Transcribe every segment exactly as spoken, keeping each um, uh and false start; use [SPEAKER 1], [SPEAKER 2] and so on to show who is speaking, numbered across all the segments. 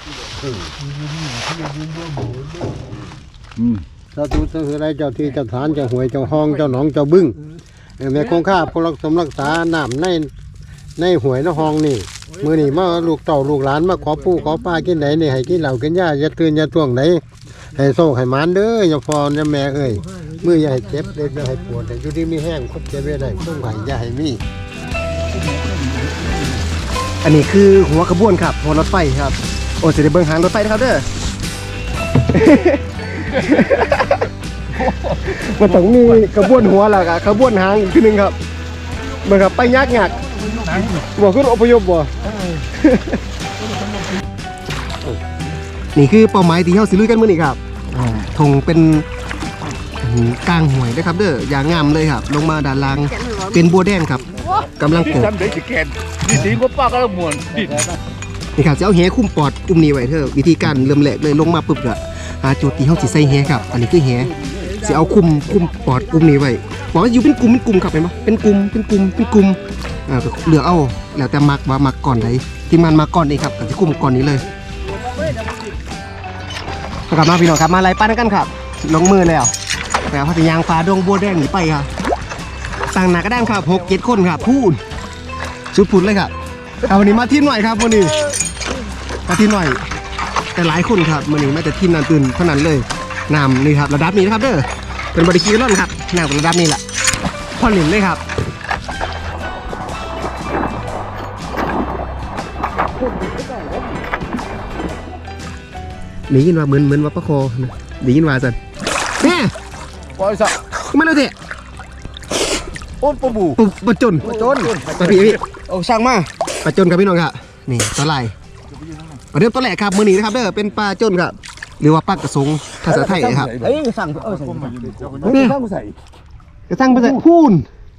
[SPEAKER 1] เจ้าทุกข์อะไรเจ้าที่เจ้าฐานเจ้าหวยเจ้าห้องเจ้าหนองเจ้าบึ้งแม่คงข้าพลักสมรักษาน้ำในในหวยในห้องนี่มือนี่มาลูกเต่าลูกหลานมาขอปู่ขอป้ากินไหนนี่ให้กินเหล่ากินหญ้าอย่าตื่นอย่าท่วงไหนให้โซ่ให้หมานเด้ออย่าฟอนอย่าแม่เอ้ยมืออย่าให้เจ็บเด็กอย่าให้ปวดอยู่ที่มีแห้งคดเจ็บไว้ได้ต้องไหวอย่าให้มี
[SPEAKER 2] อันนี้คือหัวขบวนครับหัวรถไฟครับโอ้จะได้เบิ่งหางรถไฟนะครับเด้อ มันต้องมีขบวนหัวแล้วก็ขบวนหางอีกทีนึงครับเหมือนกับไปยักยักบ่ขึ้นอพยพบ่ นี่คือเป้าหมายที่เฮาสิลุยกันมื้อนี้ครับธงเป็นกลางห้วยนะครับเด้ออย่างงามเลยครับลงมาด้านล่างเป็นบัวแดงครับกำลังปลูกนี่สีก็ป้าก็มวนนี่ครับจะเอาแหคุ้มปอดอุ้มนี่ไว้เถอะวิธีการเริ่มแรกเลยลงมาปุ๊บก็หาจุดที่เฮาสิใส่แหครับอันนี้คือแหสิเอาคุมคุมปอดอุ้มนี่ไว้บอกว่าอยู่เป็นกลุ่มเป็นกลุ่มครับเห็นบ่เป็นกลุ่มเป็นกลุ่มเป็นกลุ่มอ่าเหลือเอาแล้วแต่มักว่ามักก่อนใดทีมงานมาก่อนนี่ครับก็สิคุมก่อนนี้เลยกลับมาพี่น้องครับมาไล่ปั้นกันครับลงมือแล้วแต่พัทยางฟ้าดงบัวแดงหนีไปครับต่างหน้าก็ได้ครับหกเจ็ดคนครับพูดชุดพูดเลยครับเอาวันนี้มาทีมหน่อยครับวันนี้มาทีมหน่อยแต่หลายคนครับวันนี้ไม่แต่ทีมนันตื่นเท่านั้นเลยน้ำนี่ครับระดับนี้นะครับเด้อเป็นบริกีร้อนครับน้ำระดับนี้แหละพอหลินเลยครับได้ยินว่าเหมือนเหมือนว่าประคอได้ยินว่าสันแม่ปล่อยสักไม่รู้เถอะโอ้ปบูปะจนปะจนปะพี่พี่โอ้ช่างมาปะจนครับพี่น้องครับนี่ปลาไหลปลาเดิมตัวแหลกครับมือหนีนะครับเด้อเป็นปลาจนครับหรือว่าปลากระสงภาษาไทยครับเอ้ยสั่งเออสั่งเนี่ยกระสั่งภาษาพูน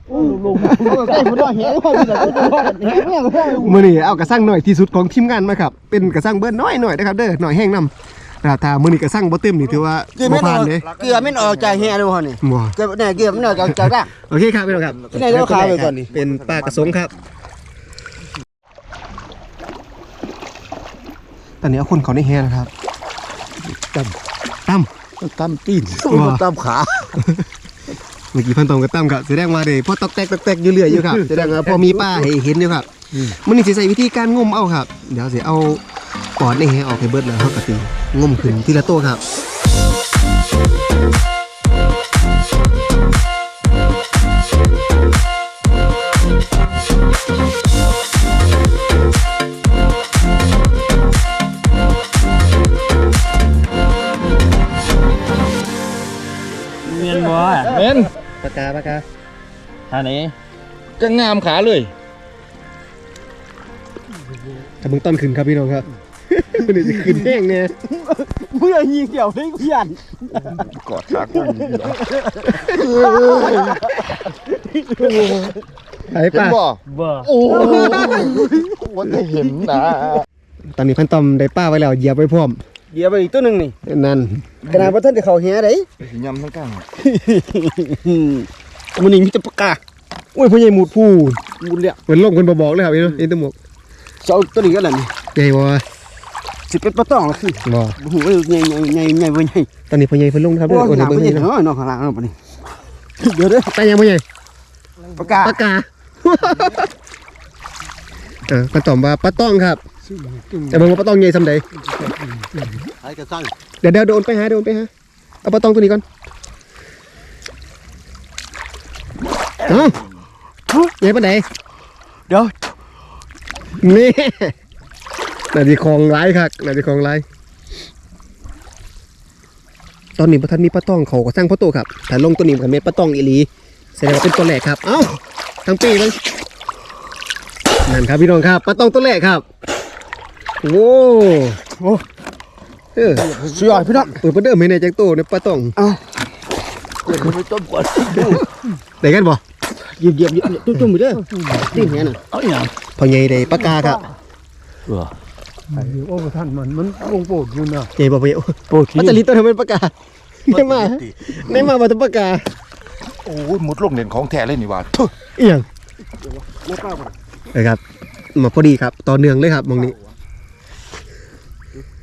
[SPEAKER 2] มือนี่เอากระสั่งหน่อยที่สุดของทีมงานมาครับเป็นกระสั่งเบิ้ลน้อยหน่อยนะครับเด้อหน่อยแห้งน้ำถ้ามือนี่กระสั่งบ่เต็มนี่ถือว่าบ่ผ่านเลย
[SPEAKER 3] เกลือไม่ออกจากแห่ดูฮะนี่เกลือเนี่ยเกลือไม่ออกจากจากร่าง
[SPEAKER 2] โอเคครับพี่น้องครับ
[SPEAKER 3] ที่ไหนเราขายไปก่อนนี่
[SPEAKER 2] เป็นปลากระสงครับตอนนี้เอาคนเขาในแห่นะครับตั้มตั้ม
[SPEAKER 3] ตั้มตีนตั้มขา
[SPEAKER 2] เมื่อกี้พันตองกับตั้มครับแสดงว่าเดี๋ยวพอตอกแตกตอกแตกอยู่เรื่อยอยู่ครับแสดงว่าพอมีป้าให้เห็นอยู่ครับมันนี่จะใส่วิธีการงมเอาครับเดี๋ยวจะเอาปอดในแหออกให้เบิดแล้วเขากระตีงมขึ้นทีละโต้ครับ
[SPEAKER 4] เมียนบ่เมียน
[SPEAKER 2] ปากกาปากกา
[SPEAKER 4] ท่านี้ก็งามขาเลย
[SPEAKER 2] แต่มึงต้นขึ้นครับพี่น้องครับมันจะขึ้นแห้งเนี่ย
[SPEAKER 3] เมื่อยิงเกี่ยวให้เพี้ยน
[SPEAKER 4] กอดขาคน
[SPEAKER 2] ไอ้ป้า
[SPEAKER 4] บ่โอ้วันได้เห็นนะ
[SPEAKER 2] ตอนนี้พันตอมได้ป้าไว้แล้วเหยียบไว้พร้อม
[SPEAKER 3] เหยียบไปอีกตัวหนึ่งนี่
[SPEAKER 2] นั่น
[SPEAKER 3] ขนาดว่าท่านจะเข่าแห่ได้
[SPEAKER 4] ยำทั้งกลาง
[SPEAKER 3] มันนี่มีแต่ปากกา
[SPEAKER 2] โอ้ยพ่อใหญ่หมุดผู้
[SPEAKER 3] หมุดเลย
[SPEAKER 2] เหมือนลงคนบอกเลยครับพี่น้องเอ็นตัวหมก
[SPEAKER 3] เจ้าตัวนี้ก็แล้วนี่
[SPEAKER 2] ใหญ่บ่
[SPEAKER 3] สิเป็นปลาตองละคือ
[SPEAKER 2] บ่
[SPEAKER 3] หูใหญ่ใหญ่ใหญ่ใหญ่ใหญ่
[SPEAKER 2] ตอนนี้พ่อใหญ่เพิ่นลงครับเด้อ
[SPEAKER 3] โอ้ยหนักพ่อใหญ่เนาะนอนข้างล่างเนาะปะนี่เดี๋ยวเด้อ
[SPEAKER 2] ไปยังพ่อใหญ่
[SPEAKER 3] ปากกา
[SPEAKER 2] ปากกาเออปลาตอมว่าปลาต้องครับแต่มึงว่าปลาต้องใหญ่ซำใด
[SPEAKER 3] ไอ้กระสั่ง
[SPEAKER 2] เดี๋ยวเดี๋ยวโดนไปหาโดนไปหาเอาปลาตองตัวนี้ก่อนเอ้าใหญ่ปานใด
[SPEAKER 3] เดี๋ยว
[SPEAKER 2] นี่น่าจะคลองไร้ครับน่าจะคลองไร้ตอนนี้พระท่านมีปลาต้องเขาก็สร้างพ่อโตครับแต่ลงตัวนี้กันเม็ดปลาต้องอีหลีแสดงว่าเป็นตัวแรกครับเอ้าทั้งปีเลยนั่นครับพี่น้องครับปลาต้องตัวแรกครับโว้โอ้เออ
[SPEAKER 3] สุดยอดพี่น้อง
[SPEAKER 2] เปิดประเดิมให้ในแจ็คโต้ในปลาต้อง
[SPEAKER 3] เอ้าเกิดมันต้มก่อน
[SPEAKER 2] ได้กันบ่
[SPEAKER 3] เหยียบเหยียบเหยียบจุ่มๆไปเด้อนี่แหน่ะ
[SPEAKER 2] เอาอย่างพอใหญ่ได้ปลากาครับ
[SPEAKER 1] โอ้ท่านมันมันวงโปดอยู่นะ
[SPEAKER 2] ใหญ่บ่ไปโปดที่จะลิตตัวทำเป็นปลากาได้มาได้มาบ่ตัวปลากา
[SPEAKER 4] โอ้ยมุดลงเด่นของแท้เลยนี่ว่า
[SPEAKER 2] เอียงนะครับมาพอดีครับต่อเนื่องเลยครับมองนี้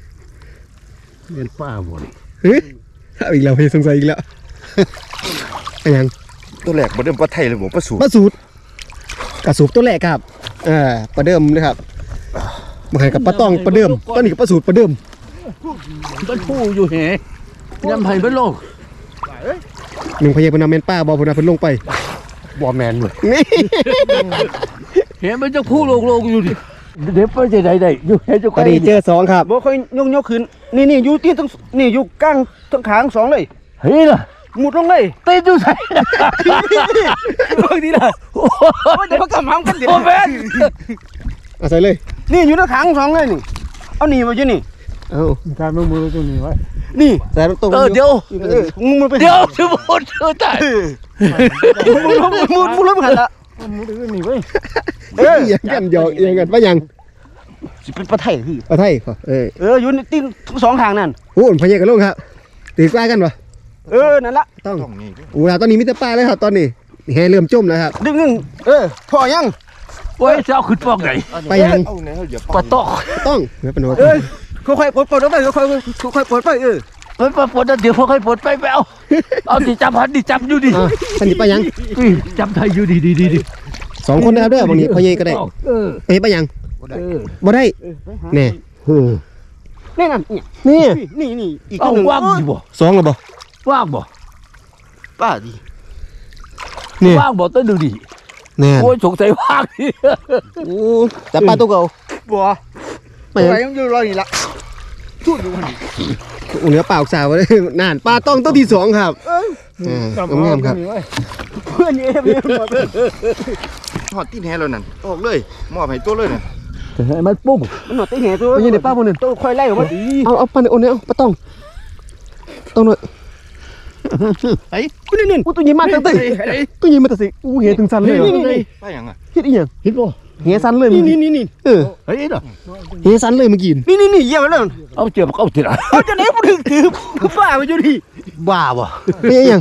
[SPEAKER 1] เป็นป้าบ่น
[SPEAKER 2] เฮ้ยเอาอีกแล้วพี่สงสัยอีกแล้วอะไรยัง
[SPEAKER 4] ตัวแรกบ่เดิมปลาไทยเลยบ่ปลาสู
[SPEAKER 2] ปลาสูตรกระสูบตัวแรกครับเออปลาเดิมนะครับมาให้กับปลาตองปลาเดิมตอนนี้กับปลาสูตรปลาเดิม
[SPEAKER 5] มันผู้อยู่แหยำไผ่เป็นโลก
[SPEAKER 2] หนึ่งพยาบาลเมนป้าบอพนาเพิ่นลงไป
[SPEAKER 4] บ่แมนเว้ย
[SPEAKER 2] นี่
[SPEAKER 5] เห็นมันจะผู้โลกโลกอยู่ดิเดี๋ยวไปจะได้ได้อยู่เห็นจะ
[SPEAKER 2] พอดีเจอสองครับ
[SPEAKER 3] บ่ค่อยยกยกขึ้นนี่นี่อยู่ตีนทั้งนี่อยู่กลางทั้งขางสองเลย
[SPEAKER 5] เฮ้ยล่ะ
[SPEAKER 3] หมุดลงเลย
[SPEAKER 5] ตีนอยู่ใส่
[SPEAKER 3] บางทีล่ะโอ้ยเดี๋ยวเขากำหำกันเดี๋ยว
[SPEAKER 5] โอ้แม่น
[SPEAKER 2] เอาใส่เลย
[SPEAKER 3] นี่อยู่ทั้งขางสองเลยนี่เอาหนีมาอยู่นี่
[SPEAKER 2] เอา
[SPEAKER 1] การมือมือตรงนี้ไว้
[SPEAKER 3] นี่
[SPEAKER 2] ใส่ตรง
[SPEAKER 5] เออเดี๋ยว
[SPEAKER 3] เออมึงมันไป
[SPEAKER 5] เดี๋ยวชิบหดเธอตาย
[SPEAKER 3] มึงลงมึงมึงลงหันละ
[SPEAKER 1] มือถือนี่ไว้
[SPEAKER 2] เออยังกันหยอกยังกันว่ายัง
[SPEAKER 3] สิเป็นปลาไทยคือ
[SPEAKER 2] ปลาไทยขอเออ
[SPEAKER 3] เอออยู่ในตีนทั้งสองทางนั่น
[SPEAKER 2] โอ้พยากันลงครับตีกล้ากันปะ
[SPEAKER 3] เออนั่นละ
[SPEAKER 2] ต้อง
[SPEAKER 4] ต้องนี่
[SPEAKER 2] โอ้ตอนนี้มิตรป้าเลยครับตอนนี้แห่เริ่มจมแล้วครับ
[SPEAKER 3] ดึงนึงเออพอยัง
[SPEAKER 5] โอ้ยจะเอาขึ้นฟอกไหน
[SPEAKER 2] ไปยัง
[SPEAKER 4] เอาไหนเอาอย่า
[SPEAKER 5] ปะตอก
[SPEAKER 2] ต้องไม่เป็นไร
[SPEAKER 3] เออค่อยๆปลดปลดออกไปค่อยๆค่อยๆปลดไปเออ
[SPEAKER 5] เฮ้ยปะปวดเดี๋ยวพวกให้ปวดไปไปเอาเอาดิจับหันดิจับอยู่ดิ
[SPEAKER 2] อ่ะท่านนี้ไปยัง
[SPEAKER 5] จับไทยอยู่ดีดีดีดิ
[SPEAKER 2] สองคนนะครับเด้อบางทีพยาก็ได้
[SPEAKER 5] เออ
[SPEAKER 2] ไปไปยัง
[SPEAKER 5] เออ
[SPEAKER 2] บ่ได้แน่
[SPEAKER 3] นี่นั่นนี่
[SPEAKER 2] นี่
[SPEAKER 3] นี่นี่อีก
[SPEAKER 5] เอา
[SPEAKER 3] หนึ่ง
[SPEAKER 5] ว่างดิบ่
[SPEAKER 2] สองหรือบ่
[SPEAKER 5] ว่างบ่
[SPEAKER 3] ป้าดิ
[SPEAKER 2] นี่
[SPEAKER 5] ว่างบ่ต้นดูดิ
[SPEAKER 2] แน่
[SPEAKER 5] โอ้ยสงสัยว่างดิ
[SPEAKER 2] โอ้จับปลาตัวเก่า
[SPEAKER 3] บัว
[SPEAKER 2] ไปยัง
[SPEAKER 3] ไปยังอยู่รอนี่ละทุ่นอยู่นี่
[SPEAKER 2] โอ้เนื้อเปล่าสาวเลยนานปลาต้องต้นที่สองครับอ่างามๆครับ
[SPEAKER 3] เพื่อนนี่เองเนี่ยหมด
[SPEAKER 4] หอดตีนแฮแล้วนั่นออกเลยมอบให้ตัวเลยนั่น
[SPEAKER 5] ให้มันปุ้ง
[SPEAKER 3] มันหนวดตีเหตัว
[SPEAKER 2] ไปยืนในป้าคนหนึ่ง
[SPEAKER 3] ตัวค่อยไล่ออกมาดี
[SPEAKER 2] เอาเอาปลาในโอนเนี่ยเอาปลาต้องต้องหน่อย
[SPEAKER 3] ไอ้กูนี่นี่
[SPEAKER 2] อู้ตัวใหญ่มากตั้งแต่ตัวใหญ่มาตั้งแต่อู้เหี้ยถึงสันเลยเหรอ
[SPEAKER 4] ไปยังอ่ะ
[SPEAKER 2] เฮ็ดอีหยัง
[SPEAKER 5] เห็นบ่
[SPEAKER 2] เหี้ยสันเลย
[SPEAKER 3] นี่
[SPEAKER 2] เมื่อ
[SPEAKER 3] นี่
[SPEAKER 2] กี้
[SPEAKER 3] นี่นี่
[SPEAKER 2] เออ
[SPEAKER 5] เฮ้ยเด้อ
[SPEAKER 2] เหี้ยสันเลยเมื่อกี้
[SPEAKER 3] นี่นี่นี่เยี่ยมเลย
[SPEAKER 5] เอาเจ็บเอาติดอ่ะ
[SPEAKER 3] เอาจะไหนกูถึงถือป้าไปอยู่ดิ
[SPEAKER 5] บ้าบ่
[SPEAKER 2] เป็นอีหยัง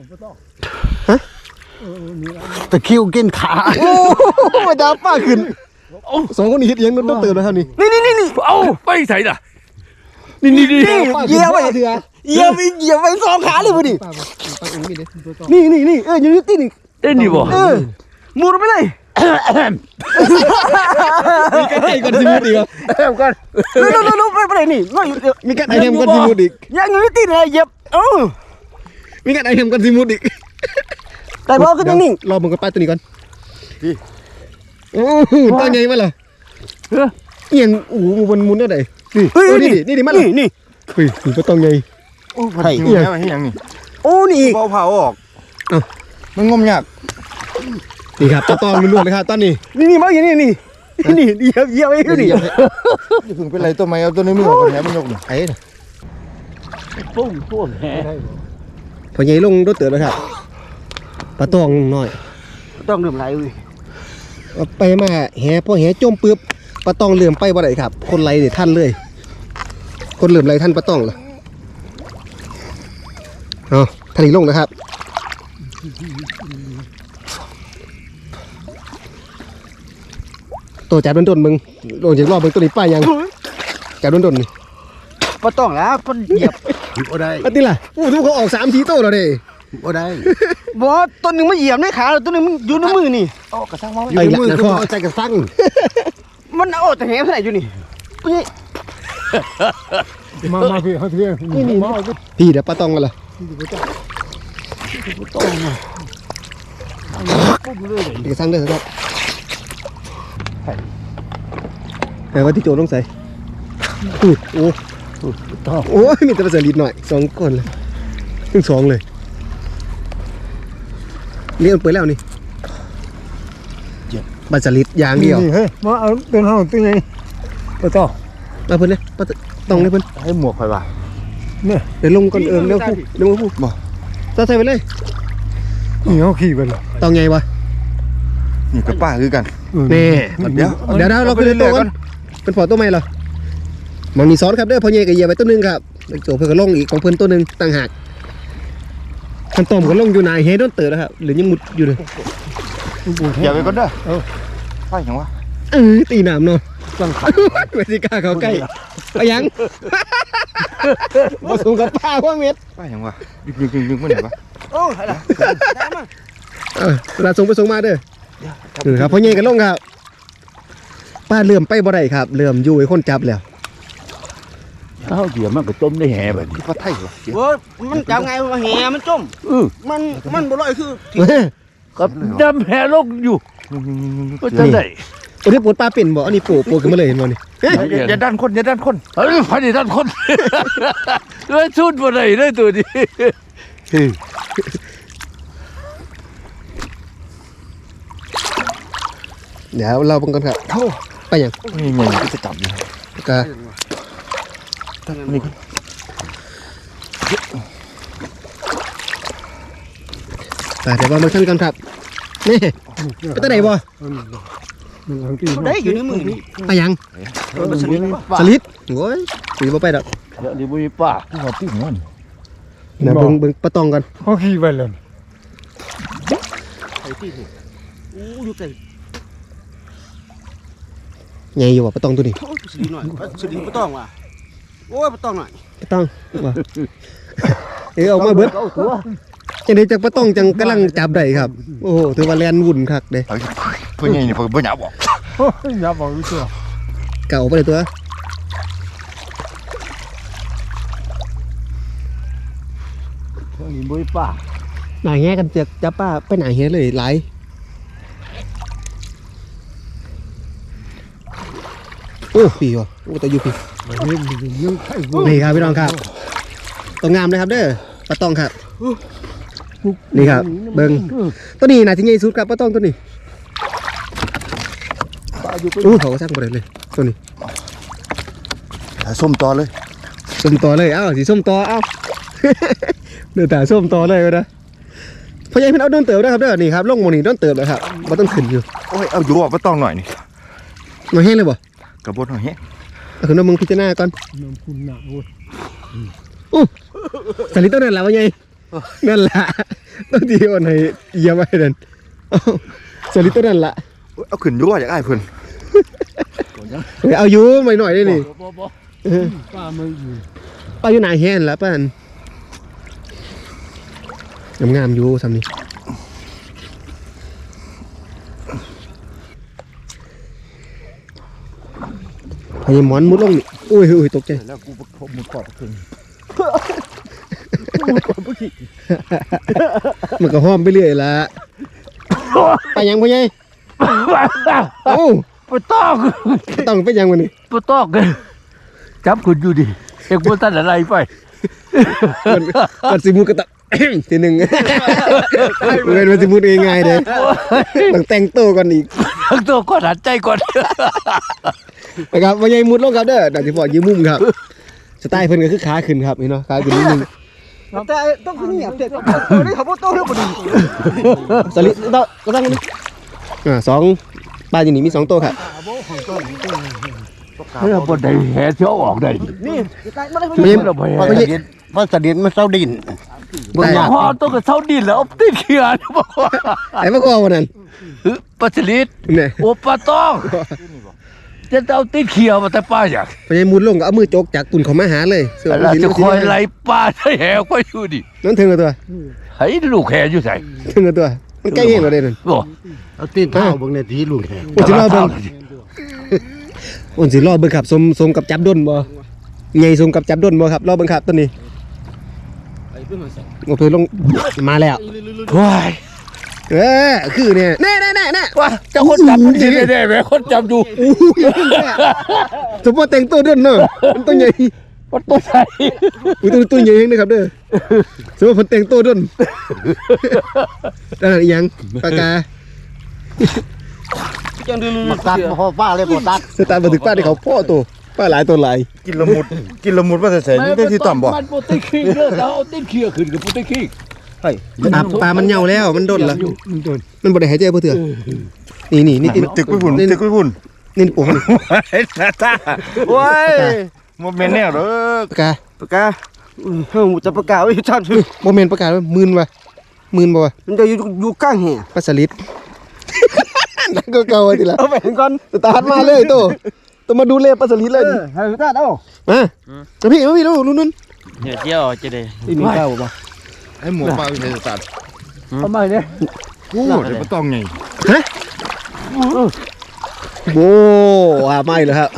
[SPEAKER 1] ตะคิวกินขา
[SPEAKER 2] โอ้มาดาวป้าขึ้นสองคนนี้เฮ็ดอีหยังต้องเติมแล้วครับนี่
[SPEAKER 3] นี่นี่นี่นี่
[SPEAKER 5] เอาไปใส่น่ะนี่นี่นี่
[SPEAKER 3] เยี่ยมไป
[SPEAKER 2] เถื่อ
[SPEAKER 3] เยี่ยมไปเยี่ยมไปสองขาเลยพอดี
[SPEAKER 2] ป้าตรงนี้ดิ
[SPEAKER 3] นี่นี่นี่เอออยู่นี่ตีนี่
[SPEAKER 5] เต้นดิบ่
[SPEAKER 3] เออมุดไปเลย
[SPEAKER 2] มีการไอ้ก่อนสิมุดอีกเหรอ
[SPEAKER 3] เออก่อนลุลุลุไปไปเลยนี่ง่อยอยู่
[SPEAKER 2] มีการไอ้ทำก่อนสิมุดอีก
[SPEAKER 3] ยังอยู่ตีนี่เหยียบเออ
[SPEAKER 2] มีการไอ้ทำก่อนสิมุดอีก
[SPEAKER 3] แต่พอขึ้นนิ่ง
[SPEAKER 2] รอมึงกับป้าตัวนี้ก่อนโอ้โหตัวใหญ่มาเหรอ
[SPEAKER 5] เออ
[SPEAKER 2] เอียงโอ้โหมันมุนได้ไหนนี่
[SPEAKER 3] เฮ้ย
[SPEAKER 2] โอ้
[SPEAKER 3] นี่
[SPEAKER 2] นี่ดินี่ดิมัน
[SPEAKER 3] นี่นี่
[SPEAKER 2] เฮ้ยมันก็ต้องไง
[SPEAKER 4] โอ้ไทยนี่ให้ยังนี่
[SPEAKER 3] โอ้นี่
[SPEAKER 4] เบาเผาออก
[SPEAKER 2] เอ้า
[SPEAKER 4] มันงมยาก
[SPEAKER 2] นี่ครับตะตองล้วนๆเลยครับตอนนี้
[SPEAKER 3] นี่นี่มาอย่างนี้นี่นี่เหยียบเหยียบไอ้นี่
[SPEAKER 4] อย่าเพิ่งเป็นไรตัวไม้เอาตัวนี้มือออกก่อนแหมันยกนี่
[SPEAKER 2] ไอ้น่ะ
[SPEAKER 5] ปุ้งพวกแห
[SPEAKER 2] พอใหญ่ลงรถเตือนแล้วครับปลาตองน้อย
[SPEAKER 3] ต้องดื่มไรเว้ย
[SPEAKER 2] เอาไปมาแหพอแหจมปึ๊บปลาตองเหลื่อมไปบ่ได้ครับ คนไหลเนี่ยท่านเลย คนเหลื่อมไหลท่านปลาตองเหรอเอาท่านอีกลงนะครับตัวจับโดนๆมึงลงจากรอบมึงตัวนี้ป้ายังจับโดนๆนี่
[SPEAKER 3] ปต้องแล้วปเหยียบ
[SPEAKER 1] บ่ได้
[SPEAKER 2] อันนี้ล่ะโอ้ทุกเขาออกสามทีโต้แล้วเด้
[SPEAKER 1] บ่ได้
[SPEAKER 3] บอตัวหนึ่งไม่เหยียบในขาตัวหนึ่งมันอยู่ในมือนี่
[SPEAKER 4] เอากระซังมา
[SPEAKER 1] อยู่ในมือก็เอาใจกระสัง
[SPEAKER 3] มันเอาแต่แหงเท่าไหร่อยู่นี่
[SPEAKER 1] มามาพี่เขาเที่ยงนี่นี่
[SPEAKER 2] พี่เดี๋ยวปลาตองกันล่ะเดี๋ยวสั่งเลยครับแต่ว่าที่โจต้องใส่อุ้ยโอ้โอ้ยมีแต่ภาษาลิดหน่อยสองคนเลยทั้งสองเลยเลี้ยงเปิดแล้วนี่ภาษาลิดอย่างเดียว
[SPEAKER 1] เฮ้ยมาเอาเป็นห้องตึ้งไงปะต่อ
[SPEAKER 2] มาเพิ่นเลยปลาตองเลยเพิ่น
[SPEAKER 4] ให้หมวกไปว่ะ
[SPEAKER 1] เนี่ย
[SPEAKER 2] เดี๋ยวลงก่อนเอิมเร็วพูเร็วพูบ่จะใส่ไปเลย
[SPEAKER 1] นี่เขาขี่ไปเลย
[SPEAKER 2] ตองไงวะ
[SPEAKER 4] นี่กับป้าคือกัน
[SPEAKER 2] นี่
[SPEAKER 4] เดี๋ยว
[SPEAKER 2] เดี๋ยวเราขึ้นตัวกันเป็นพอตัวใหม่เหรอมองนี่ซ้อนครับเด้อพอเย่กับเหยียบไปตัวหนึงครับโจเพื่อนก็ลงอีกของเพื่อนตัวหนึงต่างหากคันต้มก็ลงอยู่นายเฮดโดนเตอร์แล้วครับหรือยังมุดอยู่เลย
[SPEAKER 4] อย่าไปก่อนเด้อเออไปยังวะ
[SPEAKER 2] เออตีน้ำเนาะ
[SPEAKER 5] จังขัด
[SPEAKER 2] ไม่ได้กล้าเข้าใกล้ไปยังมาสูงกับป้าว่าเม็ด
[SPEAKER 4] ป้าอย่างวะดึงดึงดึงดึงมันไหนวะ
[SPEAKER 3] โอ้ยล่ะได้มา
[SPEAKER 2] เออเวลาส่งไปส่งมาเด้อเออครับพ่อใหญ่กันลงครับป้าเลื่อมไปบ่ได้ครับเลื่อมอยู่ไอ้คนจับแล้ว
[SPEAKER 5] เท้าเดี๋ยวมันก็ต้มได้แห่แบบนี้
[SPEAKER 4] ป้าไทยวะ
[SPEAKER 3] โอ้ยมันจับไงว่าแหมันจม
[SPEAKER 5] เออ
[SPEAKER 3] มันมันบ่ลอยคือ
[SPEAKER 5] กับดำแห่ลงอยู่ก็จะได้
[SPEAKER 2] ตัวนี้ปวดปลาเป็นบ่อันนี้ปูปูขึ้นมาเลยเห็นบ่นี่
[SPEAKER 4] อย่าดันคนอย่าดันคน
[SPEAKER 5] เฮ้ยพันธุ์ด้านคนเลยชุดบ่ได้เลยตัวนี้
[SPEAKER 2] เดี๋ยวเราบังกันครับไปยัง
[SPEAKER 4] นี่ไงก็จะจับอยู่
[SPEAKER 2] กะ
[SPEAKER 4] นี่
[SPEAKER 2] แต่เดี๋ยวว่ามันขั้นกันครับนี่ไปตั้งไหนบ่
[SPEAKER 3] ได้อยู่ในมือนี่
[SPEAKER 2] ไปยัง
[SPEAKER 3] มันสนิท
[SPEAKER 2] สลิดโอ้ยสีบ่ไปดอก
[SPEAKER 5] เดี๋ยวนี้บุยป้าที่เขาปิ้งมัน
[SPEAKER 2] เดี๋ยวเบิ่งเบิ่งปลาตองกัน
[SPEAKER 5] เขาขี่ไปเลย
[SPEAKER 3] ไอ้ที่นี่โอ้อยู่ไกล
[SPEAKER 2] ใหญ่อยู่ว่ะปลาตองตัวนี้
[SPEAKER 3] โอ้ยสนิทหน่อยสนิทบ่ต้องว่ะโอ้ยบ่ต้องหน่อย
[SPEAKER 2] ปลาตองว่ะเออออกมาเบิด
[SPEAKER 5] เอาตัว
[SPEAKER 2] จังได๋จักปลาตองจังกำลังจับได้ครับโอ้โหถือว่าแล่นวุ่นคักเด้
[SPEAKER 4] เพื่อนนี่เพื่อนเพื่อนหยาบอก
[SPEAKER 5] อย่าบอกวิตัว
[SPEAKER 2] เก่าไปเลยตัว
[SPEAKER 5] เดี๋ยวนี้บุยป้า
[SPEAKER 2] หน้าแง่กันเจอกจับป้าไปหน้าแง่เลยหลายโอ้พี่ว่ะโอ้แต่อยู่พี่นี่ครับพี่น้องครับตัวงามเลยครับเด้อปลาตองครับนี่ครับเบิ่งตัวนี้น่าจะใหญ่สุดครับปลาตองตัวนี้โอ้เขาก็สร้างบ่ได้เลยตัวนี้
[SPEAKER 4] ส้มต่อเลย
[SPEAKER 2] ส้มต่อเลยเอ้าสีส้มต่อเอ้า เดือดแต่ส้มต่อเลยก็นะพยายามเอาโดนเติบนะครับเด้อนี่ครับลงโมนี่โดนเติบเลยครับมันต้องขึ้นอยู่
[SPEAKER 4] โอ้ยเอาอยู่อ่ะป้าต้องหน่อยนี่
[SPEAKER 2] มาแห้งเลยบ่
[SPEAKER 4] กระบดหน่อยเฮ้ย
[SPEAKER 2] เอาขึ้นมามึงพิจารณาก่อนน้ำคุณหนาโอ้สลิดต้นนั่นแหละวะไงนั่นแหละต้นที่อ่อนให้เยี่ยมไว้เดินสลิดต้นนั่นแหละ
[SPEAKER 4] เอาขึ้นอยู่อ่ะอยากได้เพื่อน
[SPEAKER 2] เอาอยู่หน่อยหน่อยได้นี่
[SPEAKER 5] ป้าไม่อยู่
[SPEAKER 2] ป้าอยู่ไหนแห้งแล้วป้านงามๆอยู่สำนี้พยายามหมอนมุดลงนี่อุ้ยอุ้ยตกใจ
[SPEAKER 5] แล้วกูผมมุดกอดขึ้น
[SPEAKER 2] มันก็ห้อมไปเรื่อยละไปยังพ่อใหญ่โอ้
[SPEAKER 5] ปะตอก
[SPEAKER 2] ต้องไปยังวันนี้
[SPEAKER 5] ปะตอกเลยจับคุณอยู่ดิเอ็กบนตันอะไรไป
[SPEAKER 2] ก่อนก่อนสิมูกระตะ ทีหนึ่งเว้นมันสิมูดง่ายๆเลยต้องแต่งตัวก่อนอีก
[SPEAKER 5] ทั้งตัวก่อนหันใจก่อน
[SPEAKER 2] นะครับพ่อใหญ่มุดลงครับเด้อดาสิพอยืมมุมครับสไตล์เพิ่นก็คือขาขึ้นครับเห็นเนาะขาขึ้นนิดนึง
[SPEAKER 3] แต่ต้องคือเนี่ยเด็กนี่เขาบ่โตแล้วบ่ดี
[SPEAKER 2] สลิดต่อก็ตั้งนี้อ่าสองปลาอยู่นี่มีสองตัวครับ
[SPEAKER 5] เฮ้ยบนใดแห่เที่ยวออกได้
[SPEAKER 3] นี่ใกล้มาได้
[SPEAKER 2] ไม่
[SPEAKER 5] เราไป
[SPEAKER 2] ไม่
[SPEAKER 5] แห่
[SPEAKER 2] ใช่
[SPEAKER 1] เพราะสดินมันเศร้าดิน
[SPEAKER 2] ได้
[SPEAKER 5] พอต้องกับเท่าดินแล้วติดเขียนบอกว่า
[SPEAKER 2] ไอ้พวกเอาวันนั้น
[SPEAKER 5] ปลาสลิด
[SPEAKER 2] เนี่ย
[SPEAKER 5] โอปลาต้องจะเอาติดเขียวมาแต่ป้าอยาก
[SPEAKER 2] พ่อใหญ่มุดลงก็เอามือจกจากตุ่นเขามาหาเลยเสื้อ
[SPEAKER 5] เราจะคอยไล่ปลาให้แห่ไปอยู่ดิ
[SPEAKER 2] นั่นถึงกับตัว
[SPEAKER 5] ให้ลูกแห่อยู่ใส่
[SPEAKER 2] ถึงกับตัวมันใกล้เองเราได้นั่น
[SPEAKER 5] บอก
[SPEAKER 1] เอาตีนเท้าเบิ่งในทีลุงแขก
[SPEAKER 2] อุ่นสิรอเบิ่งอุ่นสิรอเบิ่งครับสมสมกับจับด้นบ่ใหญ่สมกับจับด้นบ่ครับรอเบิ่งครับตัวนี้โอเคลงมาแล้ว
[SPEAKER 5] ว้าย
[SPEAKER 2] เออคือเนี่ยแน่แน่แน่แน่
[SPEAKER 5] ว่าจะคนจับมันดีแน่ๆแม่คนจับดู
[SPEAKER 2] สมมติแต่งตัวด้นเนาะมันตัวใหญ่
[SPEAKER 5] มันตัวใหญ่
[SPEAKER 2] อุ้ยตัวตัวใหญ่เองนะครับเด้อสมมติผมแต่งตัวด้นแล้วอีหยังปากกา
[SPEAKER 3] จังดื้อ
[SPEAKER 1] มาตัดพ่อป้าเลยบ่ตัด
[SPEAKER 2] สตาร์บันทึกป้าที่เขาพ่อตัวป้าหลายตัวหลาย
[SPEAKER 4] กินละมุดกินละมุดว่าจะใส่นี่ได้ที่ต่ำบ่
[SPEAKER 5] มันโปรตีนขี้เด้อแล้วเอาตีนขี้ขึ้นกับโปรตีนขี้
[SPEAKER 2] ปลาปลามันเหย่าแล้วมันด้นละมันบ่ได้หายใจเพื่อเถื่อนี่นี่นี่
[SPEAKER 4] ตึกไปพุ่นตึกไปพุ่น
[SPEAKER 2] นี่ปวงนี่
[SPEAKER 4] ไอ้หน้าตาโอ้ยมันเป็นแนวเด้อ
[SPEAKER 2] ปากกา
[SPEAKER 3] ปากกาเฮ้ยจะปากกาไว้ท่าน
[SPEAKER 2] โมเมนต์ประกาศว่าหมื่นวะหมื่นบ่วะ
[SPEAKER 3] มันจะอยู่อยู่กลางแห่
[SPEAKER 2] ปลาสลิด นั่นก็เก่าทีละ
[SPEAKER 3] เอาไปก่อน
[SPEAKER 2] สตาร์ทมาเลยโตต้องมาดูแลปลาสลิดเลย
[SPEAKER 3] เออให้ตาเอา
[SPEAKER 2] มาจะพี่มาพี่ดูนู่น
[SPEAKER 6] เดี๋ยวเจียวจะได้
[SPEAKER 3] นี่มีข้าวบ่
[SPEAKER 4] ไอ้หมูปลาเป็นสัตว์
[SPEAKER 3] ทำไมเนี่ย
[SPEAKER 4] กูเดี๋ยวมันต้องไง
[SPEAKER 2] โอ้อาไม่เลยครับ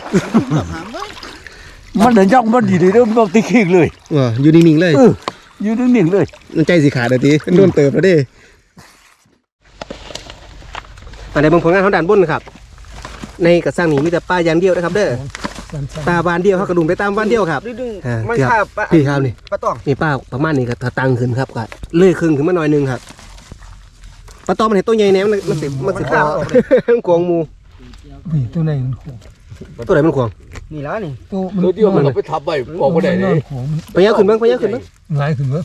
[SPEAKER 5] มันเดินย่องมันดีเลยมันบอกติ๊กเลย
[SPEAKER 2] เอออยู่นิ่งๆเลย
[SPEAKER 5] อยู่นิ่งๆเลย
[SPEAKER 2] มันใจสีขาดเดี๋ยวทีโดนเติบแล้วดิแต่ในบางผลงานเขาด่านบนนะครับ ในกระสังนี้มีแต่ปลาอย่างเดียวนะครับเด้อปลาบานเดียวเขากระดุมไปตามบานเดียวครับ
[SPEAKER 3] ดึง
[SPEAKER 2] อ่า
[SPEAKER 3] มัน
[SPEAKER 2] เกือบ
[SPEAKER 3] ข้าปะ
[SPEAKER 2] พี่ครับนี่
[SPEAKER 3] ปลาตอง
[SPEAKER 2] นี่ป้าประมาณนี้ก็ถ้าตังขึ้นครับก็เลื่อยขึ้นขึ้นมาหน่อยหนึงครับปลาตอมมันเห็นตัวใหญ่แน่มันมันสิมันสิข้าวมันกวงหมู
[SPEAKER 3] ตัวไหนมัน
[SPEAKER 2] ตัวไหนมันกวง
[SPEAKER 3] นี่แล้วนี่
[SPEAKER 5] ตัวเดียวมันไปทับไปบอกว่าได้เลย
[SPEAKER 2] ไปยาวขึ้นบ้างไปยาวขึ้นบ้าง
[SPEAKER 3] หลายขึ้นเบ้อ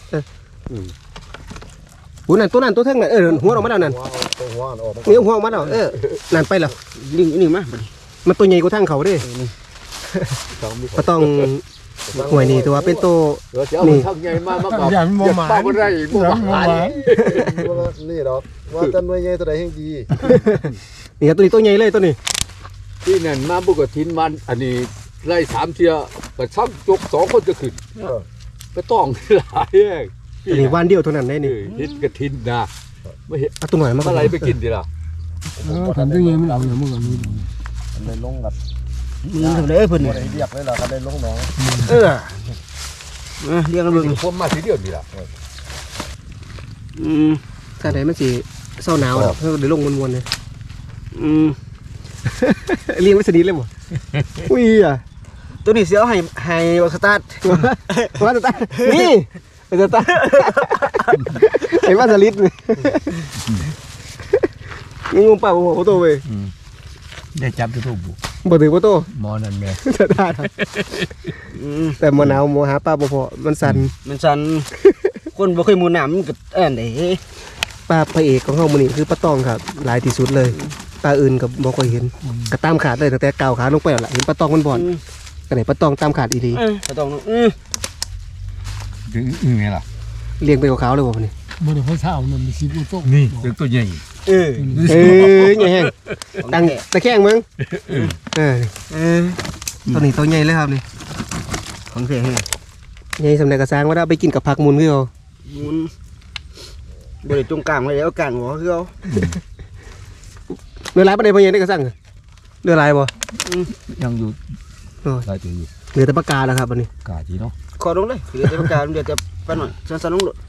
[SPEAKER 2] หูนั่นตัวนั้นตัวเท่งนั่นเออหัวออกมาแล้วนั่น
[SPEAKER 4] ตัวหัวออกมา
[SPEAKER 2] นี่หัวออกมาแล้วเออนั่นไปแล้ว
[SPEAKER 3] ดึงนี่มา
[SPEAKER 2] มันตัวใหญ่กว่าทางเขาเด้ปลาตองหวยนี่ตัวเป็นตัว
[SPEAKER 5] เดี๋ยวจะเอาทำไงมามากับอย่าป้าก็ได้บ่หวาน
[SPEAKER 4] นี่ดอกว่าจะหน่วยใหญ่ตัวใดแห่งดี
[SPEAKER 2] นี่ครับตัวนี้ตัวใหญ่เลยตัวนี้
[SPEAKER 5] ที่นั่นมาบุกทินมันอันนี้ไล่สามเทียก็ช่างจกสองคนจะขึ้นก็ต้องหลายแยก
[SPEAKER 2] ตัวนี้วันเดียวเท่านั้นได้นี่
[SPEAKER 5] ทินกระทินนะไม่เห็น
[SPEAKER 2] เอาตัวหน่อยมา
[SPEAKER 5] อะไรไปกินดีล่ะ
[SPEAKER 3] เออขันตัวใหญ่มันเอาอย่างเมื่อก่อนนี้
[SPEAKER 4] มันได้ลงกับ
[SPEAKER 3] มีเท่าไหร่เพิ่น
[SPEAKER 4] บ่ได้เรียกเลยล่ะก็ได้ลงหนอง
[SPEAKER 3] เออเรียกกันเบิ่ง
[SPEAKER 5] พวกมาทีเดียวดีล่ะ
[SPEAKER 3] อืม
[SPEAKER 2] ถ้าไหนมันสิเศร้าหนาวแล้วเดี๋ยวลงมวนๆเลย
[SPEAKER 3] อืม
[SPEAKER 2] เลี้ยงไว้สนิทเลยบ่อุ้ยอ่ะ
[SPEAKER 3] ตัวนี้เสียวให้ให้สตาร์ท
[SPEAKER 2] ว่าจะตานี่จะตาไอ้ว่าสลิดนี่นี่งงป่าวโอ้โหโตเว้ย
[SPEAKER 5] ได้จับตัวบุ
[SPEAKER 2] บ่ถือว่าโต
[SPEAKER 5] หมอนั่นแม่
[SPEAKER 2] จะได้
[SPEAKER 3] อืม
[SPEAKER 2] แต่มะนาวมหาปลาบ่พอมันสั่น
[SPEAKER 3] มันสั่นคนบ่เคยมูน้ำมันก็อันเด้
[SPEAKER 2] ปลาพระเอกของเฮามื้อนี้คือปลาตองครับหลายที่สุดเลยปลาอื่นก็บ่ค่อยเห็นก็ตามขาดเลยตั้งแต่ก้าวขาลงไปแล้วล่ะเห็นปลาตองมันบ่อนก็ได้ปลาตองตามขาดอีหลี
[SPEAKER 3] เออก็ต้องอืม
[SPEAKER 5] ถึงอือไงล่ะ
[SPEAKER 2] เลี้ยงไปขาวๆเลยบ่พุ่นนี่
[SPEAKER 3] บ่ได้พอเช้ามันมีสิบ่ตก
[SPEAKER 5] นี่ถึงตัวใหญ่
[SPEAKER 3] เออ
[SPEAKER 2] เอ้ยใหญ่แฮงตังตะแคงมึงเออ
[SPEAKER 3] เออ
[SPEAKER 2] ตัวนี้ตัวใหญ่เลยครับนี่
[SPEAKER 3] ของแท้แฮะ
[SPEAKER 2] ใหญ่สำเร็จกระซังว่าได้ไปกินกับผักมุนคือเอา
[SPEAKER 3] มุนบ่ได้ตรงกลางไว้แล้วกลางหัวคือเอา
[SPEAKER 2] เรือลายประเดี๋ยวพอใหญ่ได้กระซังเรือลายบ่
[SPEAKER 5] ยังอยู่
[SPEAKER 2] โอ้ย
[SPEAKER 5] ได้ตัวอยู่
[SPEAKER 2] เหลือแต่ปากกาแล้วครับวันนี้
[SPEAKER 5] กาจีเนาะ
[SPEAKER 3] ขอลงเลยเดี๋ยวจะประกาศเดี๋ยวจะไปหน่อยสั้นๆลงโลด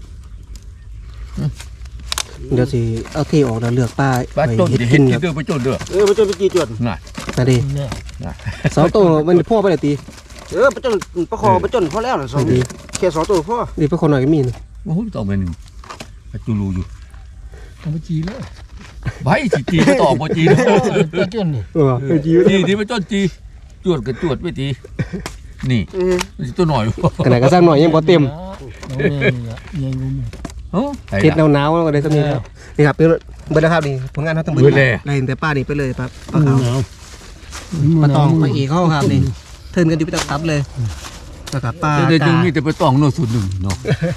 [SPEAKER 2] เดี๋ยวสิเอาเทออกแล้วเลือกป้า
[SPEAKER 5] ปลา
[SPEAKER 2] ไว้
[SPEAKER 5] จน
[SPEAKER 2] เฮ็ด
[SPEAKER 5] เห็
[SPEAKER 2] กิ
[SPEAKER 5] น
[SPEAKER 2] น
[SPEAKER 5] กิ
[SPEAKER 2] คน รับ
[SPEAKER 5] เด้อไปจนเด้อ
[SPEAKER 3] เออบ่จนไปจีจวด
[SPEAKER 5] น่ะ
[SPEAKER 2] นั่นดิสองตัวมันพ่อไปเลยตี
[SPEAKER 3] เออบ่จนประคอบ่จนพอแล้วน่ะสอง
[SPEAKER 2] ดี
[SPEAKER 3] แค่สองตัวพอ
[SPEAKER 2] ดีไปคนหน่อยก็มีนะ
[SPEAKER 5] โอ้โหต่อไปหนึ่งจูรูอยู่
[SPEAKER 3] ต้องไปจีเลย
[SPEAKER 5] ใบจีจีไปต่อบ่จี
[SPEAKER 3] ตัวจนนี่
[SPEAKER 2] เออไปจี
[SPEAKER 5] จีที่ไปจนจีจวดกับจวดไปตีนี่
[SPEAKER 3] เออ
[SPEAKER 5] ตัวหน่อย
[SPEAKER 2] ขนาดกระซังหน่อยยังบ่เต็ม
[SPEAKER 3] น้องแม่นี่ล่ะใหญ่กว่าหมู่
[SPEAKER 5] เอ้า
[SPEAKER 2] เฮ็ดหนาวๆแล้วก็ได้สำนี้แล้วนี่ครับเบิดแล้วครับนี่ผลงานเขาทั้งเบิด
[SPEAKER 5] เบิดแล้ว
[SPEAKER 2] ไล่ตั้งแต่ป้านี่ไปเลยครับปลาขาวปลาตองปลาเอกเขาครับนี่เทิร์นกันดิบตับเลยแล้วก็ปลา
[SPEAKER 5] แต่จึ
[SPEAKER 2] กาง
[SPEAKER 5] มีแต่ไปต้องโน่สุดหนึ่งเนาะ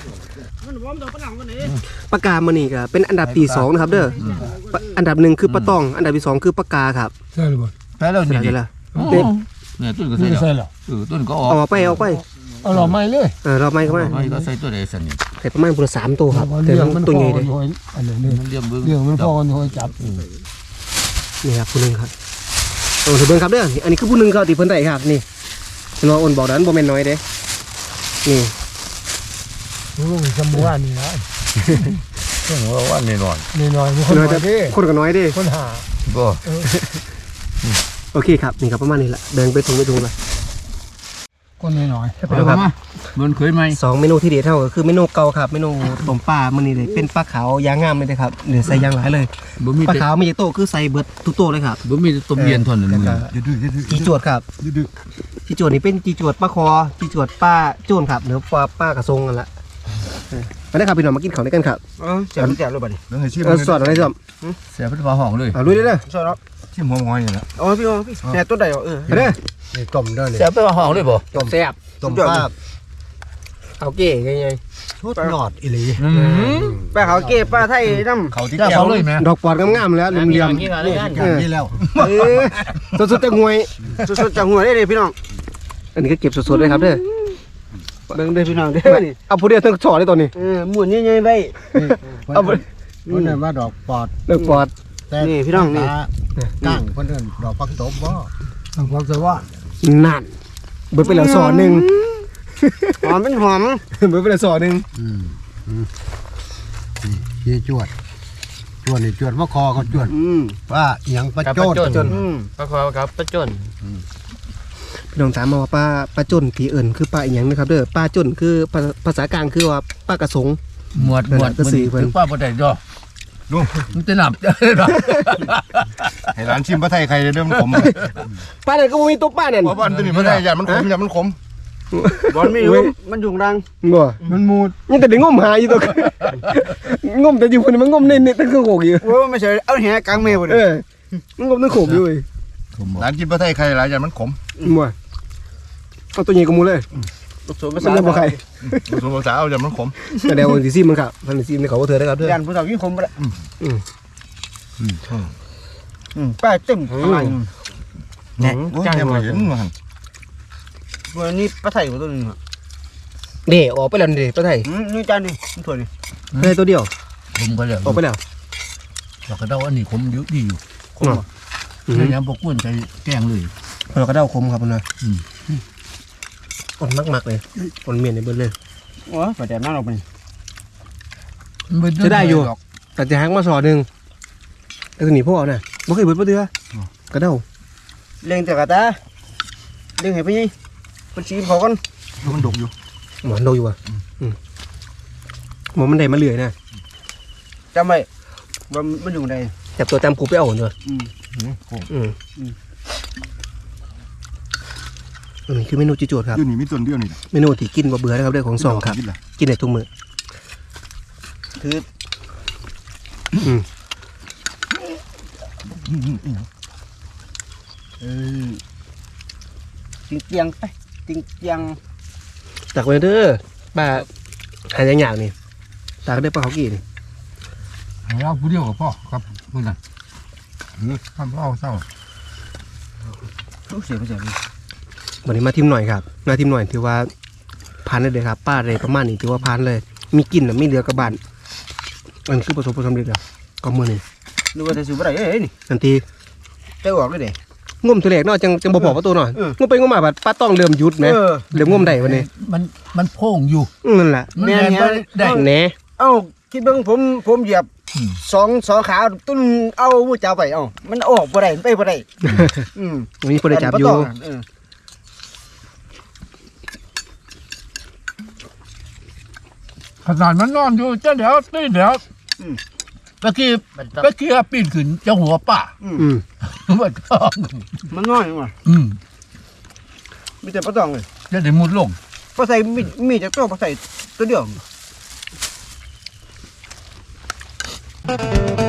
[SPEAKER 2] ปลากามันนี่ก็เป็นอันดับที่สองนะครับเด้อปลาอันดับหนึ่งคือปลาตอง อันดับที่สองคือปลากาครับ
[SPEAKER 3] ใช่หรือบ่
[SPEAKER 5] แพ้แล้ว
[SPEAKER 2] เสร็
[SPEAKER 5] นี่
[SPEAKER 2] จ
[SPEAKER 5] ดิ
[SPEAKER 2] แล้ว
[SPEAKER 5] เด็เนี่ยต้นก็ใส่
[SPEAKER 3] ใช่
[SPEAKER 5] แล้ว
[SPEAKER 3] หรอ
[SPEAKER 5] เออต้นก็ออก
[SPEAKER 2] เอาไปเอาไป
[SPEAKER 3] เอาหล่อไม้เลย
[SPEAKER 2] เออเราไม่เข้ามา
[SPEAKER 5] ไม่ก็ใส่ตัวใดสันนี่
[SPEAKER 2] ใส่ประมาณพุละสามตัวครับแต่
[SPEAKER 3] เรื่อง
[SPEAKER 2] มั
[SPEAKER 3] มัน น
[SPEAKER 2] ตัว
[SPEAKER 3] พ
[SPEAKER 2] ให
[SPEAKER 3] อ
[SPEAKER 2] ญ่เลย
[SPEAKER 3] อันนี้
[SPEAKER 5] มันเลี้ยงเบิ้ง
[SPEAKER 3] เรื่องมันพอกันหอยจับ
[SPEAKER 2] นี่ครับผู้หนึ่งครับโอ้ถือเบิ้งครับเด้อนี่อันนี้คือผู้หนึ่งครับที่เพิ่นได้ครับนี่เห็นว่าอ้นบอกดันบ่แม่นน้อยเด้นี่
[SPEAKER 3] รู้สมบูรณ์นี่นะ
[SPEAKER 5] ต้องว่าว่าแน่นอน
[SPEAKER 3] นี่น้อยมีคน
[SPEAKER 2] น้อย
[SPEAKER 3] มา
[SPEAKER 2] แต่
[SPEAKER 3] เด้
[SPEAKER 2] คนก็น้อยเด้
[SPEAKER 3] คนหา
[SPEAKER 5] ก็
[SPEAKER 2] โอเคครับนี่ครับประมาณนี้แหละแบ่งไปถุงไปถุงละ
[SPEAKER 3] คนน้อย
[SPEAKER 5] ไปครับมันเคยไหม
[SPEAKER 2] สองเมนูที่เด็ดเท่าก็คือเมนูเก่าครับเมนูต้มปลามื้อนี้เลยเป็นปลาขาวยางงามเลยนะครับเดี๋ยวใส่ยางหลายเลย
[SPEAKER 5] บ่มี
[SPEAKER 2] ปลา
[SPEAKER 5] แต่
[SPEAKER 2] ขาวไม่ใช่โตคือใส่เบิดทุกโตเลยครับ
[SPEAKER 5] บ่มีแต่ต้มเย็นเท่านั้นมึง
[SPEAKER 2] จีจวดครับจีจวดนี่เป็นจีจวดปลาคอจีจวดปลาโจนครับหรือปลาป้ากระทงกันละเออมาได้ครับพี่น้องมากินของด้วยกันครับ
[SPEAKER 3] เออเจ็บเจ็บเลยบัดนี้
[SPEAKER 4] เรื่องให้ชิม
[SPEAKER 2] เออสอดอะไรสอด
[SPEAKER 5] เสียเป็นฟ้าห้องเลย
[SPEAKER 2] เอาลุยเลยเด้อ
[SPEAKER 3] ใช่แล้ว
[SPEAKER 4] ชิมหัวงอยนี่แหละ
[SPEAKER 3] อ๋อพี่อ๋อพี่แน่ตัวใดอ๋อเออ
[SPEAKER 2] ไปเด้อ
[SPEAKER 4] นี่ต้มเด้อนี่
[SPEAKER 5] เสียเป็นฟ้าห้องเลยบ่
[SPEAKER 2] แซ่บ
[SPEAKER 4] ต้มปลา
[SPEAKER 2] เอาเก๋ไงไง
[SPEAKER 1] ชุดหลอดอีหลี
[SPEAKER 3] ปลาเขาเก็บปลาไทยน้ำ
[SPEAKER 4] เขาที่แก้วเลยไหม
[SPEAKER 2] ดอกปอดงามๆแล้วเหลี่ยม
[SPEAKER 1] นี่นี่แล้ว
[SPEAKER 3] เออ
[SPEAKER 2] ๆสดๆจะงวย
[SPEAKER 3] สดๆจากหัวได้เลยพี่น้อง
[SPEAKER 2] อันนี้ก็เก็บสดๆเลยครับเด้อ
[SPEAKER 3] เบิ่งเด้อพี่น้องเด้อนี่
[SPEAKER 2] เอาผู้เดียวทั้งช่อเลยตอนนี้
[SPEAKER 3] เออหมุนใหญ่ๆไว้
[SPEAKER 1] เอาไปคนนั้นว่าดอกปอด
[SPEAKER 2] ดอกปอด
[SPEAKER 1] แต่
[SPEAKER 3] นี่พี่น้องนี่
[SPEAKER 1] ก้างคนอื่นดอกพักตบบ่ดอกพักตบว่า
[SPEAKER 2] นั่นเบิดไปแล้วสอหนึ่ง
[SPEAKER 3] หอมเป็นหอม
[SPEAKER 2] เบิดไปแล้วสอหนึ่ง
[SPEAKER 1] อืมอืมนี่จวดจวดนี่จวดว่าคอเขาจวด
[SPEAKER 3] อืม
[SPEAKER 1] ว่าเอียงประโจด
[SPEAKER 3] อืม
[SPEAKER 6] ปลาคอครับปลาจน
[SPEAKER 2] พี่น้องถามมาว่าปลาปลาจนผีเอิญคือปลาอีหยังนะครับเด้อปลาจนคือภาภาษากลางคือว่าปลากระสง
[SPEAKER 5] หมวดหมวด
[SPEAKER 2] ก็สี่เพิ่น
[SPEAKER 5] ถึงป้าบ่ได้ดอกลุงมันจะหนับจะได้ดอก
[SPEAKER 4] ให้ร้านชิมปลาไทยใครเริ่มขม
[SPEAKER 2] ปลาไหนก็บ่มีตัวปลานั่น
[SPEAKER 4] เพราะว่าอันตัวนี้ไม่ได้ยามันขมยามันขม
[SPEAKER 3] บอลไม่รู้มันอยู่รัง
[SPEAKER 2] บ่
[SPEAKER 1] มันมูด
[SPEAKER 2] ยังแต่ได้งมหาอยู่ตัว งมแต่อยู่คนนี้มันงมในในตั้งเครื่องโขกอยู่
[SPEAKER 3] โอ้ไม่ใช่เอาแหกลางเมฆบ่
[SPEAKER 2] เอ
[SPEAKER 3] นี่
[SPEAKER 2] อมันงมตั้งโขกอยู่เว้ย
[SPEAKER 4] ร้านกินปลาไทยใครร้านยามันขม
[SPEAKER 2] บ่เอาตัวใหญ่กว่าหมูเลย
[SPEAKER 3] ผสมภา
[SPEAKER 2] มัน
[SPEAKER 3] ษา
[SPEAKER 2] ยังบ่ใคร
[SPEAKER 4] ผสมภาษาเอายามันขม
[SPEAKER 2] แต่เดี๋ยววันที่สิบมันครับวันที่สิบนี่เขาก็เถื่อได้ครับเด้อ
[SPEAKER 3] ยันผู้สาวยิ่งคมบ่ได้
[SPEAKER 2] อืม
[SPEAKER 3] อืมป้าเต็มข้างใน
[SPEAKER 4] เนี่ยยังไม่เห็นมัน
[SPEAKER 3] วันนี้ปลาไทยตัวนึงอ่ะ
[SPEAKER 2] เด้ออกไปแล้วนี่ปลาไทย
[SPEAKER 3] อืมนี่จานนี่มันถั่วนี่
[SPEAKER 2] เฮ้ยตัวเดียว
[SPEAKER 5] ผมก็แล้ว
[SPEAKER 2] ออกไปแล้ว
[SPEAKER 5] ดอกกระเดาอันนี้ผมอยู่ดีอยู่
[SPEAKER 2] อืม
[SPEAKER 5] พยายามบ่กวนใจแกล้งเลย
[SPEAKER 2] เราก็เด้าคมครับมันนะ
[SPEAKER 5] อืม
[SPEAKER 2] อ่อนมากๆเลยอ่อนเมียนในเบิดเลย
[SPEAKER 3] โอ้ยปลาแดดน่าออกไป
[SPEAKER 2] จะได้อยู่ แต่จะหักมาสอหนึ่งไอ้ตัวนี้พ่อน่ะบ่เคยเบิดบ่เดือกระเด้า
[SPEAKER 3] เลี้ยงแต่กะตาเลี้ยงให้ไปยี่มันชีเขากัน
[SPEAKER 4] มันดกอยู่
[SPEAKER 2] หมอนโดอยู่อ่ะอืมหมอมันได้มาเลื่อยนะ
[SPEAKER 3] จำไว้ว่ามันอยู่ไหน
[SPEAKER 2] จับตัวจำกูไปเอาเนอะ
[SPEAKER 3] อืม
[SPEAKER 2] อืมอันนี้คือเมนูจิโจทย์ครับ
[SPEAKER 4] อยู่นี่มีต้นเดียวนี่
[SPEAKER 2] เมนูที่กินบ่เบื่อนะครับเรื่องของสองครับ กินได้ทุกมื้อ
[SPEAKER 3] คือ
[SPEAKER 2] อืม
[SPEAKER 3] เออจริงเจียงไปจริงเจียง
[SPEAKER 2] ตักไว้เด้อป้าหาอย่างอย่างนี่ตักได้ปลาเขากี่นี่
[SPEAKER 5] เราผู้เดียวกับพ่อครับมื้อนั้นทำเอาเศร้า
[SPEAKER 3] รู้เสียไม่เสีย
[SPEAKER 2] วันนี้มาทิมหน่อยครับมาทิมหน่อยถือว่าผ่านได้เลยครับป้าเลยประมาณนี้ถือว่าผ่านเลย มีกินน่ะมีเหลือกระบานอันคือประสบผลสำเร็จแล้วก็มื้อนี้
[SPEAKER 3] นึกว่าจะซื้ออะไรเอ้ยนี่
[SPEAKER 2] ทันที
[SPEAKER 3] ใจออกเลยเด้
[SPEAKER 2] งมตัวแรกเนาะจังจังบ่พอประตูหน่อย
[SPEAKER 3] เออ
[SPEAKER 2] งมไปงมมาบัดป้าต้องเริ่มหยุดแหม
[SPEAKER 3] เออ
[SPEAKER 2] เริ่มงมได้วันนี้
[SPEAKER 5] มันมันโพ่งอยู่
[SPEAKER 2] อืมนั่นแหละ
[SPEAKER 5] มัน
[SPEAKER 3] แม่
[SPEAKER 5] แม่น
[SPEAKER 3] เนี่ย
[SPEAKER 5] บ่ได้
[SPEAKER 2] แหน่
[SPEAKER 3] เอ้าคิดเบิ่งผมผมเหยียบ
[SPEAKER 5] อืม
[SPEAKER 3] สองสองขาตุ้นเอาวู้เจ้าไปเอ้ามันออกบ่ได้มันไปบ่ได้อืม
[SPEAKER 2] มีคนได้จับอยู่
[SPEAKER 3] เออ
[SPEAKER 5] ขนาดมันนอนอยู่เจ้าเดี๋ยวตีเดี๋ยวตะกี้ตะกี้ปีนขึ้นเจ้าหัวป่า
[SPEAKER 2] อืม
[SPEAKER 5] มันต้อง
[SPEAKER 3] มันน้อยว่ะ
[SPEAKER 5] อืม
[SPEAKER 3] มีแต่ปลาตองเลย
[SPEAKER 5] จะได้มุดลง
[SPEAKER 3] ปลาใส่มีมีจากตัวปลาใส่ตัวเดียว